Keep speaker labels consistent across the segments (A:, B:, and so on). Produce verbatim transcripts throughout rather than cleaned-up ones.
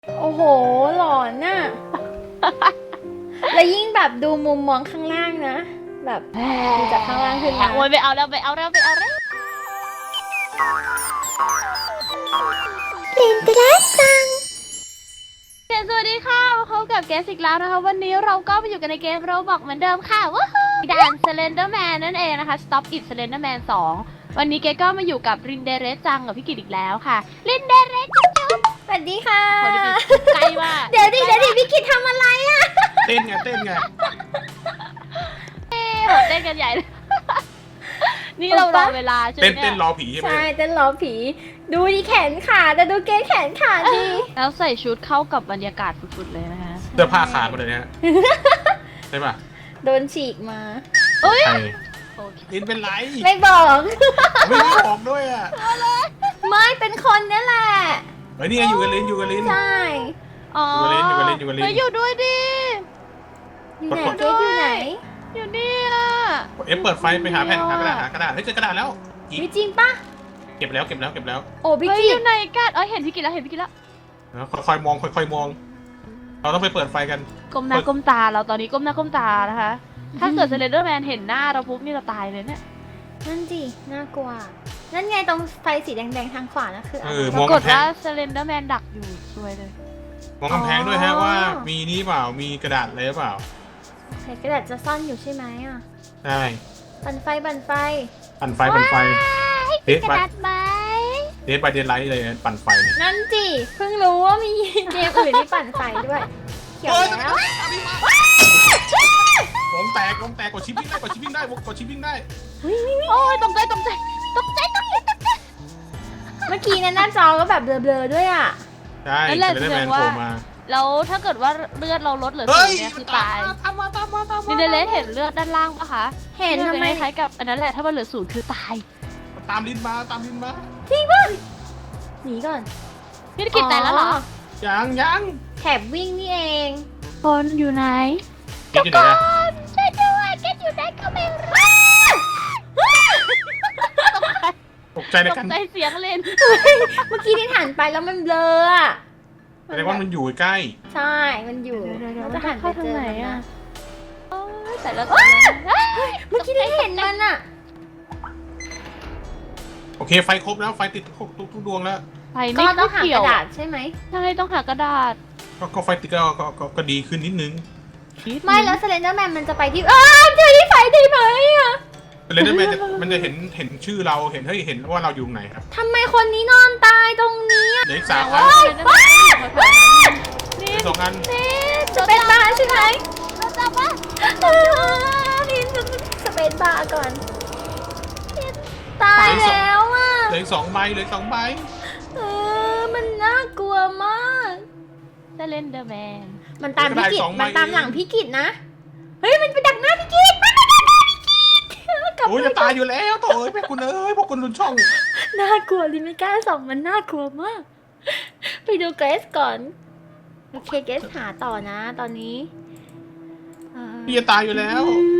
A: โอ้โหหลอนน่ะ แล้วยิ่งแบบดูมุมมองข้างล่างนะ แบบดูจากข้างล่างขึ้นมา
B: โอ้ยไปเอาแล้วไปเอาแล้วไปเอาแล้วเล่นไปแล้วจังสวัสดีค่ะมาพบกับเกสอีกแล้วนะคะวันนี้เราก็มาอยู่กันในเกมโรบอกเหมือนเดิมค่ะว้าวด่าน Slenderman นั่นเองนะคะ Stop It Slenderman สองวันนี้เกสก็มาอยู่กับรินเดเรสจังกับพี่กิตอีกแล้วค่ะรินเดเรสจังจัง
A: สวัสดีค่ะ
B: โอ้ยใกล้มาก
A: เดี๋ยวดิเดี๋ยวดิพี่กิตทำอะไรอ่ะ
C: เต้นไงเต้นไง
B: โหเต้นกันใหญ่เลยนี่เรารอเวลาใช่ไหม
C: เต้น
B: เนี่
C: เต้น
B: ย
C: รอผีใช่ไหม
A: ใช่เต้นล้อผี ดูดิแขนขาแต่ดูเกสแขนขาดิ
B: แล้วใส่ชุดเข้ากับบรรยากาศสุดๆเลยนะคะ
C: เสื้อผ้าขาดหมดเลยเนี่ยใช่ป่ะ
A: โดนฉีกมา
B: เอ้ย
C: ใช่
B: โอเค
C: ลินเป็นไร
A: ไม่บอก
C: ไม่ได้บอกด้วยอ่ะ
A: ไม่เป็นคนนี่แหละ
C: เฮ้ยนี่ไงอยู่กับลินอยู่กับลิน
A: ใช่
B: อ๋อ
C: อยู่กับลิ้นอยู่กับลิ้นอยู่กับลิ้น
B: เฮ้ยอยู่ด้วยดิ
A: อยู่ไหนเกสอยู่ไหน
B: อยู่นี่อ่ะ
C: เอฟเปิดไฟไปหาแผ่นหากระดาษหากระดาษเฮ้ยเจอกระดาษแล้วอีก
A: มีจริงปะ
C: เก็บแล้วเก็บแล้วเก็บแล้ว
A: โอ้พี่
B: เฮ้ย
A: กิ
B: อ
A: ต
B: ยู่ไหนกันเอ้ยเห็นพี่กินแล้วเห็นพี่กินแล้ว
C: แล้วค่อยๆมองค่อยๆมอง เราต้องไปเปิดไฟกัน
B: ก้มหน้าก้มตาเราตอนนี้ก้มหน้าก้มตานะคะ ถ้าเกิดเซเลนเดอร์แมนเห็นหน้าเราปุ๊บนี่เราตายเลยเนี่ย
A: นั่นสิน่ากลัว นั่นไงตรงไฟสีแดงๆทางขวานะคือ
C: เอ
A: อะไร
C: อ
B: ป
C: มอง
B: รากฏ
C: กำแพ
B: ว่าง เซเลนเดอร์แมนดักอยู่สวยเลย
C: มองกำแพงด้วยฮะว่ามีนี่เปล่ามีกระดาษอะไรหรือเปล่า
A: ใส่กระดาษจะซ่อนอยู่ใช่ไหมอ่ะ
C: ใช่
A: ปั่นไฟปั่นไฟ
C: ปั่นไฟปั่นไฟเดท
B: กระ
C: บั
B: ดาษไหม
C: เดทบายเดนไลท์เลยปั่นไฟเนี่ย
A: นั่นสิเพิ่งรู้ว่ามีเกมอื่นที่ปั่นไฟด้วยเขียวแล้ว
C: ผมแตกผมแตกกดชิปปิ้งได้กดชิปปิ้งได้กดชิปปิ้งได้
B: โอ้ยตกใจตกใจตกใจตกใจตกใจ
A: เมื่อกี้เนยหน้าจอก็แบบเบลอๆด้วยอ่ะ
C: ใช่
B: นั่นแหละ
C: เซเลน
B: แส
C: แม
B: ด
C: น
B: ง
C: โผ
B: ว่า
C: ล่มา
B: แล้วถ้าเกิดว่าเลือดเราลดเหลือ
C: เฮ้
B: ศูน
C: ย
B: ย์เนี่ยคือตาย
C: ตามมาตามมาตามมา
B: นิเดเลสเห็นเลือดด้านล่างปะคะ
A: เห็นทำไม
B: คล้ายๆกับอันนั้นแหละถ้ามันเหลือศูนย์คือตาย
C: ตามลิ้นมาตามลิ้นมา
A: จริงป่ะหนีก่อน
B: พี่กิจแต่แล้วเหรอ
C: ยังยัง
A: แถบวิ่งนี่เอง
B: คนอยู่ไหน
C: เก็บอยู่ไหนนะ
B: ช่วยด้วยแกอยู่ไหนก็ไม่รู้
C: ตกใจใน
B: ต
C: กั
B: ก
C: น
B: ใจเสียงเล่น
A: เมื่อกี้ที่หันไปแล้วมันเบลออ่ะ
C: แสดงว่ามันอยู่ใกล้
A: ใช่ มันอยู่เราจะหันไปเจอมันนะ
B: โอ้ยแต่แล้วแต่แล้ว
A: เมื่อกี้ที่เห็นมันอ่ะ
C: โอเคไฟครบแล้วไฟติดครบทุกทุกดวงแล้ว
B: ไฟ
A: ก็
B: ไม่
A: ต้องหาก
B: เกี่ยว
A: ระดาษใช่ไหม
B: ใช่ต้องหากระดาษ
C: ก็ก็ไฟติดก็ก็ก็ก็ดีขึ้นนิดนึง
A: ไม่แล้วเซเลนเดอร์แมนมันจะไปที่อ้าเจอที่ไฟได้ไหมอ่ะ
C: แต่เลนเดอร์แมนจะมันจะเห็นเห็นชื่อเราเห็นเฮ้ยเห็นว่าเราอยู่ไหนครับ
A: ทำไมคนนี้นอนตายตรงนี้อะ
C: เหลืออีกสาม
B: แต่
C: อั
B: ว่าน จะได้อยู่แถวๆนั้นนี่
C: เหลือสองอัน
A: จะเป็นบาร์ใช่ไหม
B: เราจับว่า
A: นี่สเปซบาร์ก่อน ตายแล้วอ่ะ
C: เหลืออีกสองใบเหลืออีกสองใบ
A: เออ มันน่ากลัวมาก
B: จะเล่นเดอะแมน
A: มันตามพี่กิจมันตามหลังพี่กิจนะ เฮ้ย มันไปดักหน้าพี่กิจมันไปดักหน้าพี่กิจกลับ
C: โอ้ย
A: ไป
C: จะตายอยู่แล้วโถ่เอ้ยพวกคุณเอ้ยพวกคุณลุนช่อง
A: น่ากลัวลิไม่กล้าส่องมันน่ากลัวมาก ไปดูเกรซก่อน โอเคเกรซหาต่อนะ ตอนนี้เอ่อ
C: พี่จะตายอยู่แล้ว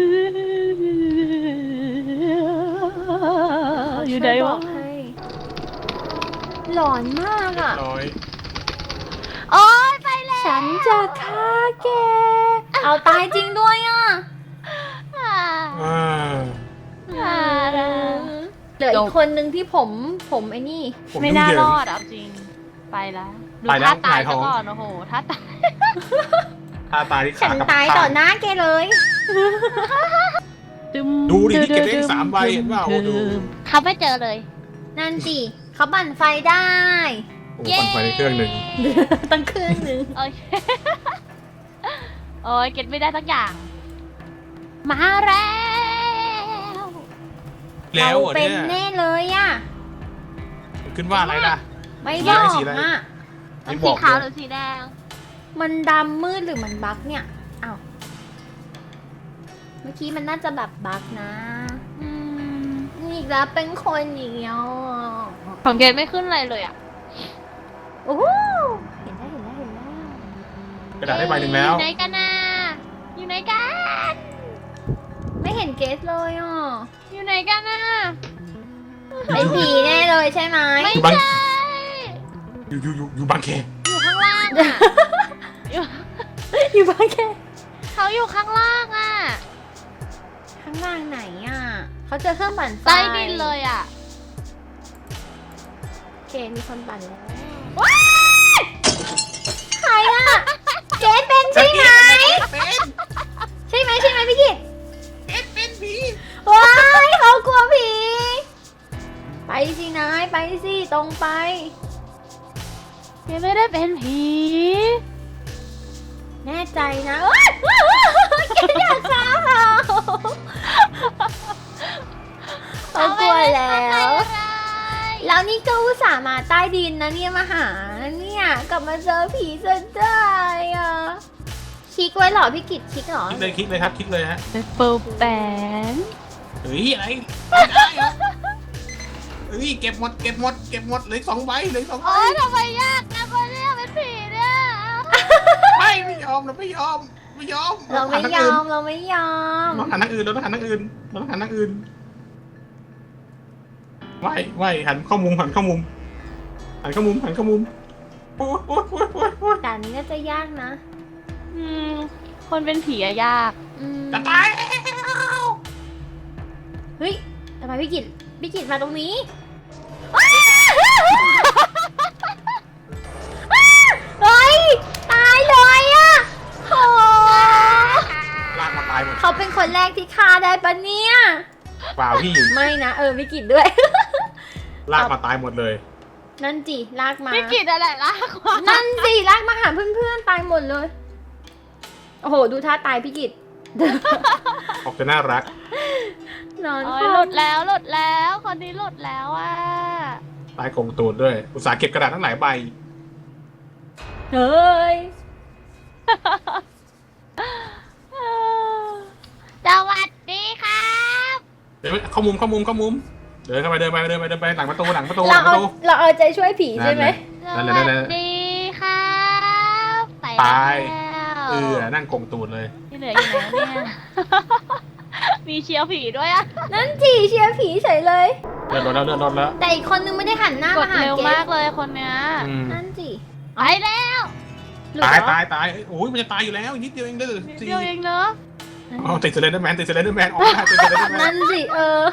B: อยู่ไหน
A: ช่บ
B: วะ
A: อกให้ หลอนมากอ่ะ
C: ร้อย
B: โอ้ยไปแล้ว
A: ฉันจะฆ่าแก เอาตายจริงด้วยอ่ะ
B: อ่า
C: อ่า
B: อ่า
A: เหลืออีกคนนึงที่ผมผมไอ้นี่
C: ผม
B: ไม่
C: ยุ่ง
B: น่า
C: เหยิ
B: รง อดเอาจริง ไปแล้วดู
C: ไปแล้ว
B: ท่าตาย
C: หงายท้
B: ซะ
C: อง
B: ก่อนโอ้โหท่าตาย
C: ถ้าตายที่
A: ฉั
C: ขาน กับ
A: ตาย
C: ข้ง
A: ต่อหน้าแกเลย
C: ดูดิที่เก็บได้สามใบเห็นเปล่าดู
B: เขาไม่เจอเลย
A: นั่นสิเขาบั่นไฟได้
C: โอ้ปั่นไฟในเครื่องหนึ่ง
A: ตั้งเครื่องหนึ่ง
B: โอเค โอ้ยเก็ตไม่ได้สักอย่าง มาแล้ว
C: แล้วเหรอ
A: เป็
C: เนี่
A: น
C: ย
A: แน่เลยอ่ะ
C: มันขึ้นว่าอะไรล่ะ
A: ไม่
C: สี
A: บ
C: อะไร
A: อก
C: สีอะไร
A: อ่ะ
C: ไม่บ
B: สี
C: อก
B: ขาวห
C: เล
B: รื
C: ย
B: อสีแดง
A: มันดำมืดหรือมันบั๊กเนี่ยอ้าวเมื่อกี้มันน่าจะแบบบั๊กนะ
B: อืม
A: นี่อีกแล้วเป็นคนอีกแล้ว
B: ของเกตไม่ขึ้นอะไรเลยอ่ะ
A: โอ้โหเห็นแล้วเห็นแล้วเห็นแล้ว
C: กระดาษได้ใบหนึ่งแล้ว
B: อยู่ไหนกันนะอยู่ไหนกัน
A: ไม่เห็นเกสเลยอ่ะ
B: อยู่ไหนกันนะ
A: เป็นผีแน่เลยใช่ไหม
B: ไม่
C: อยู่บาง
B: ใช่
C: อยู่อยู่อยู่อยู่บางแค
B: อยู่ข้างล่าางอ่ะ อยู่
A: อยู่บ้านแค่
B: เขาอยู่ข้างล่างอ่ะ
A: ข้างล่างไหนอ่ะเขาเจอเครื่องปั่นไฟ
B: ใต้ดินเลยอ่ะ
A: โอเคมีคนปั่นแล้วว้ายใครอ่ะเกดเป็นใช่ไหม
C: เป็น
A: ใช่ไหมใช่ไหมพี่กิต
C: เป็นเป็นผี
A: ว้ายเขากลัวผีไปสินายไปสิตรงไป
B: ยังไม่ได้เป็นผี
A: แน่ใจนะเอ้ยว้าวว้าวเกดอยากฆ่าเขาเขากลัวแล้ว แล้วนี่ก็อุตส่าห์มาใต้ดินนะเนี่ยมาหาเนี่ยกลับมาเจอผีซะได้อ่ะคลิกไว้เหรอพี่กิตคลิกเหรอ
C: คลิกเลยคลิกเลยครับคลิกเลยฮะ
B: เป็นเปิลแปน
C: เฮ้ยอะไรไม่ได้เหรอเฮ้ยเก็บหมดเก็บหมดเก็บหมดเหลยสองใบเหลยสองใบ
B: โอ๊ยทำไมยากนะคนเนี้ยเป็นผีเนี่ย
C: ไม่ไม่ยอมเราไม่ยอมไม่ยอม
A: เราไม่ยอมเราไม่ยอม
C: เราหันทางอื่นเราต้องหันทางอื่นเราต้องหันทางอื่นไหวไหวหันเข้ามุมหันเข้ามุมหันเข้ามุมหันเข้ามุมโอ้ยโอ้ยโอ้ยโอ้ยโอ้ย
A: ด่านนี้น่าจะยากนะ
B: อืม คนเป็นผีอะยาก
A: อืม
C: จะตายแล้ว
A: เฮ้ยทำไมพี่กิตพี่กิตมาตรงนี้เฮ้ยตายเลยอ่ะโห
C: ลากมาตายหมด
A: เขาเป็นคนแรกที่ฆ่าได้ปะเนี่ย
C: เปล่าพี่
A: ไม่นะเออพี่กิตด้วย
C: ลากมาตายหมดเลย
A: นั่นจิลากมา
B: ไม่กินอะไรลากกว่า
A: นั่นสิลากมาหาเพื่อนๆตายหมดเลย โอ้โห ดูท่าตายพี่กิต
C: ออกจะน่ารัก
A: นอน
B: โอ้
A: ค
B: ย
A: ว่ำ
B: หลุดแล้วหลุดแล้ว คนนี้หลุดแล้วอ่ะ
C: ตายโกงตูดด้วย อุตสาห์เก็บกระดาษทั้งหลายใบ
A: เฮ้ย
B: สวัสดีครับ
C: เดี๋ยวเข้ามุมเข้ามุมเข้ามุม เดินเข้าไปเดินไปเดินไปเดินไปหลังประตูหลังประตูห
A: เรา
C: ลังป
A: เอา
C: ระตู
A: เราเอาใจช่วยผีใช่ไหม
C: นั่นแหละ
B: ส
C: นั่นแห
B: วั
C: ละ
B: สดีครับไป
C: ตาย
B: แล้ว
C: เออนั่งโกงตูดเลย
B: ที่เหลืออยู่ไหนเนี่ย มีเชียวผีด้วยอ่ะ
A: นั่นจีเชียร์ผีเฉยเลย
C: เลื่อนรถแล้วเลื่อนรถแล้ว
A: แต่อีกคนนึงไม่ได้หันหน้าก
B: ด
A: มาหา
B: เร็ว
A: เก
B: มาก
A: ส
B: เลยคนเนี้ย
C: อืม
A: นั่นจี
B: ไปแล้ว
A: หลุด
C: ตาย
A: เหรอ
C: ตายตายโอ้ยมันจะตายอยู่แล้วอีกนิดเดียวเองเด้อ
B: นิด
C: สี่
B: เดียวเองเนอะ
C: อ๋อติดเซเลนเดอร์แมนติดเซเลนเดอร์แมนออกมาติดเซเลนเดอร์แม
A: นั่
C: น
A: นสิเออ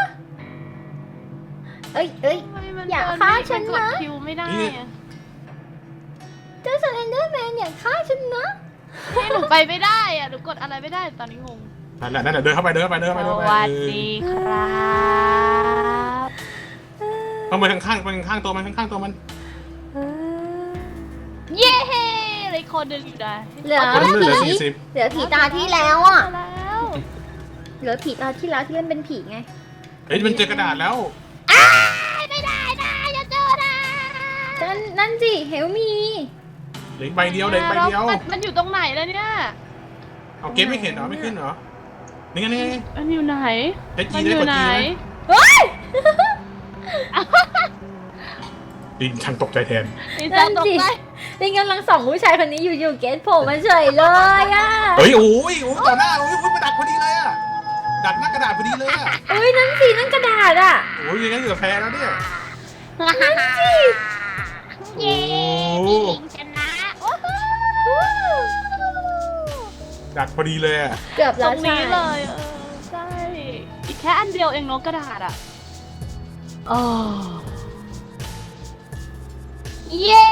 A: เอ้ยเอ้ย
B: ทำไมมัน
A: อย่า
B: เดิน
A: ฆ่า
B: ไม่
A: ฉัน
B: กด
A: นะ
B: คิวไม่ได้อะ
A: เจ้าสเลนเดอร์แมนอย่าฆ่าฉันนะ
B: นี่หนูไปไม่ได้อ่ะหนูกดอะไรไม่ได้ตอนนี้งง
C: นั่นแหละนั่นแหละเดินเข้าไปเดินเข้าไปเดิน
B: ส
C: เข้าไปเดินเข้าไป
B: วัสดีครับ
C: เอาไปข้างๆไปข้างๆตัวมันข้างๆตัวมัน
A: เออ
B: เย้เหลยคนเดินอยู่ได้
A: เหลือ
C: เหลือเหลือ
A: ผี
C: สี่สิบ
A: เหลือผีตาที่แล้วอ่ะ
B: มาแล้ว
A: เหลือผีตาที่แล้วที่เล่นเป็นผีไง
C: เฮ้ยมันเจอกระดาษแล้ว
B: ไม่ได้นะอย่าเจอนะ
A: นั่นนั่นสิเฮลมี
C: เหลืออีกใบเดียวเหลืออีกใบเดียว
B: มันมันอยู่ตรงไหนแล้วเนี่ย
C: เอาเกมไม่เห็นเหรอไม่ขึ้นเหรอนี่ไงนี่ไง
B: มันอยู่ไหน
C: เฮ้ย
B: มั
C: จี
B: น
C: ได้
B: อก ยู่
C: ด
B: ไหน
C: จีไหม
A: เฮ้ย
C: จริงช่างตกใจแทน
B: นี่จะตกใจ
A: ลิงกำลังส่องผู้ชายคนนี้อยู่อยู่เกตโผล่มาเฉยเลยอ่ะ
C: เฮ้ยโอ้ยโอ้ยต่อหน้าโอ้ยมาดักพอดีเลยอะดักหน้ากระดาษพอดีเลยอะ
A: เอ้ยนั่นสินั่นกระดาษอ่ะ
C: โอ้ยยังไงเหลือแพ้แล้วเนี่ย
B: เย้
C: โอ้
B: พี่หญิงชนะโอ้โห
C: ดักพอดีเลยอะ
A: เกือบ
B: ต
A: แล้
B: ร
A: ว
B: ง
A: ใช่
B: นี้เลยเออใช่อีกแค่อันเดียวเองเนอะกระดาษอ่ะ
A: อ๋อ
B: เย้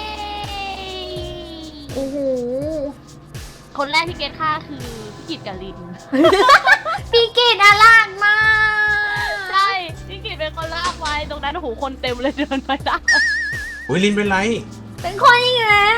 A: โอ้โห
B: คนแรกที่เกตฆ่าคือพี่กิตกับลิน
A: พี่กิตน่ารักมาก
B: ใช่พี่กิตเป็นคนลากไว้ตรงนั้นโอ้โหคนเต็มเลยเดินไปได้
C: โอ้ยลินเป็นไร
A: เป็นคนอีกแล้ว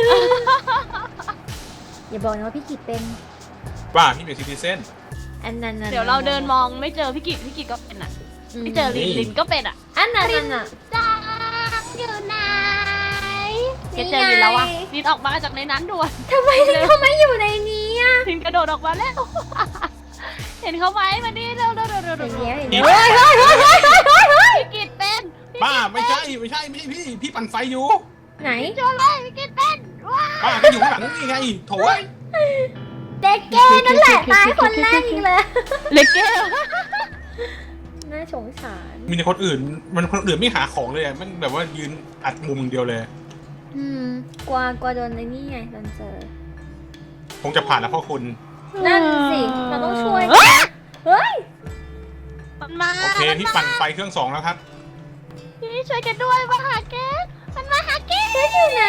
A: อย่าบอกนะว่าพี่กิตเป็น
C: ว่าพี่เป็นซิติเซน
A: อันนั้นน่ะ
B: เดี๋ยวเราเดินมองไม่เจอพี่กิตพี่กิตก็เป็นอ่ะไม่เจอลิน
C: นี่
B: ลินก็เป็นอ่ะ
A: อันนั้นน่ะน่ะ
B: จังอยู่ไหนเก
A: นี่
B: ต
A: ไง
B: เจอลินแล้วอ่ะลินออกมาจากในนั้นด่วน
A: ทำไมถึงเขาไม่อยู่ในนี้อ่ะ
B: ลินกระโดดออกมาแล้ว เห็นเขาไหมมาดิเร็วเร็วเร็วเร็ว
A: เดี๋
B: เร็
A: ยว
B: ว
A: เดี๋ยวเฮ้ยเฮ้ยเฮ้ยเฮ้ยเฮ้ยเฮ้ยเฮ้ย
B: พี่กิตเป็นพี่
C: บ้า
B: กิต
C: ไม่ใช่ไม่ใช่ไม่ใช่พี่พี่ปั่นไฟอยู่
A: ไหน
B: โจเลยพี่กิตเป็นว้า
C: บ้าก็อยู่ข้างหลังนี่ไงโถ่ย
A: เด็กเก้นั่นแหละตายคนแรกอีกเลย
B: เล็กเก้
A: น่าสงสาร
C: มีแต่คนอื่นมันคนอื่นไม่หาของเลยอะมันแบบว่ายืนอัดมุมอย่างเดียวเลย
A: อืมกลัวกลัวโดนในนี่ไงโดนเจอ
C: คงจะผ่านแล้วพ่อคุณ
A: นั่นสิเราต้องช่วยกันนะเฮ้ย
B: มันมา
C: โอเคพี่ปั่นไฟเครื่องสองแล้วครับ
B: พี่ช่วยกันด้วยมาหาแก๊สมันมาหาแก๊ส
A: เจ๊อยู่ไหน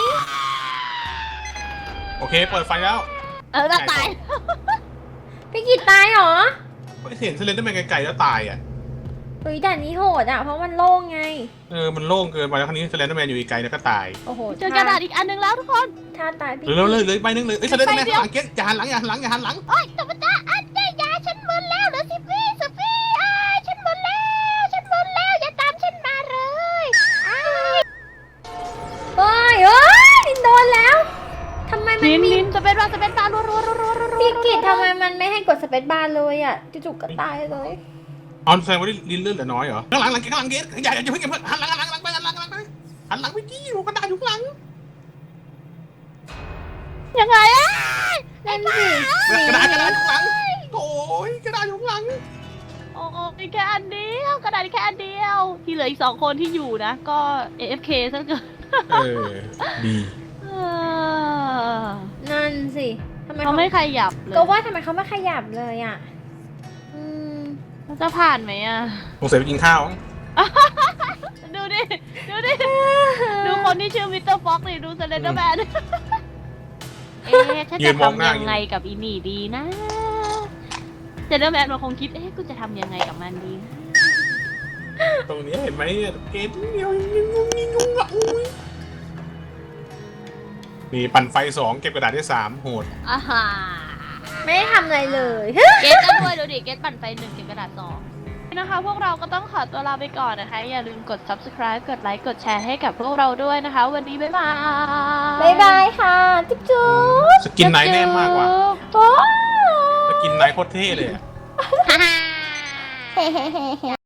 C: โอเคเปิดไฟแล้ว
B: เออเราตาย
A: พี่กิตตายเหรอ
C: เห็นเซเลนเดอร์แมนไกลๆแล้วตายอ่ะ
A: เฮ้ยด่านนี้โหดอ่ะเพราะมันโล่งไง
C: เออมันโล่งเกินไปแล้วคราวนี้เซเลนเดอร์แมนอยู่ไกลแล้วก็ตาย
A: โอ้โห
B: เจอกระดาษอีกอันหนึงแล้วทุกคน
A: ถ้าตายพี่
C: เลยเลยเลยใบนึงเลยเอ้ยเซเลนเดอร์แมนข้างหลังเก๊อย่าหันหลังอย่าหันหลังอย่าหันหลัง
B: โอ๊ยธรรมดาอันเดียยาฉันมึนแล้วเหลือสิบวิสิบวิอ้ายฉันมึนแล้วฉันมึนแล้วอย่าตามฉันมาเลยอ้าย
A: เฮ้ยเฮ้ยลินโดนแล้วทำไมมัน
B: นิน
A: มี
B: นินจะเป็นว่าจะเป็นตารัวรัวรัวรัวรัว
A: พี่กิตทำไมมันไม่ให้กดสเปซบาร์เลยอ่ะจู่ๆก็ตายเลย
C: ออนแสดงว่าลิ้นเลือดเหลือน้อยเหรอข้างหลังหลังข้างหลังเก๊อย่าอย่าเพิ่งอย่าเพิ่งหันหลังหันหลังหันหลังไปหันหลังหันหลังไปหันหลังไปจี้อยู่กระดาษอยู่ข้างหลัง
B: ยังไงอ่ะ
A: นั่นสิ
C: กระดาษกระดาษอยู่ข้างหลังโอ้ยกระดาษอยู่ข้างหลัง
B: โอ้มีแค่อันเดียวกระดาษแค่อันเดียวที่เหลืออีกสองคนที่อยู่นะก็ เอ เอฟ เค ซะเกิน
C: เออดี
B: เออ
A: นั่นสิทำไม
B: เขาไม่ขยับเลย
A: ก็ว่าทำไมเขาไม่ขยับเลยอ่ะอืม
B: เขาจะผ่านไหมอ่ะ
C: สงสัยไปกินข้าว
B: ดูดิ ดูดิ ดูคนที่ชื่อมิสเตอร์ฟ็อกซ์ดิดูสเลนเดอร์แมน เอ๊ะฉันจะทำยังไงกับอีนี่ดีนะสเลนเดอร์แมนมันคงคิด เอ๊ะ กูจะทำยังไงกับมันดีนะ
C: ตรงนี้เห็นไหมเกตเดียวยิงงงยิงงงละอุ้ยนี่ปั่นไฟสองเก็บกระดาษได้สามโหด
B: อ่าฮะ
A: ไม่ได้ทำอะไรเลย
B: เกตก็ด้วยดูดิ เกตปั่นไฟหนึ่งเก็บกระดาษสองนะคะ พวกเราก็ต้องขอตัวลาไปก่อนนะคะ อย่าลืมกด ซับสไครบ์ กดไลค์ กดแชร์ให้กับพวกเราด้วยนะคะ วันนี้บ๊ายบาย
A: บ๊ายบายค่ะ จุ๊บจุ๊บ
C: สกินไนท์แน่มากกว่า
A: โอ้
C: สกินไนท์โคตรเท่เลยอะ
B: ฮ่าฮ่า
A: เฮ้เฮ้เฮ้เฮ้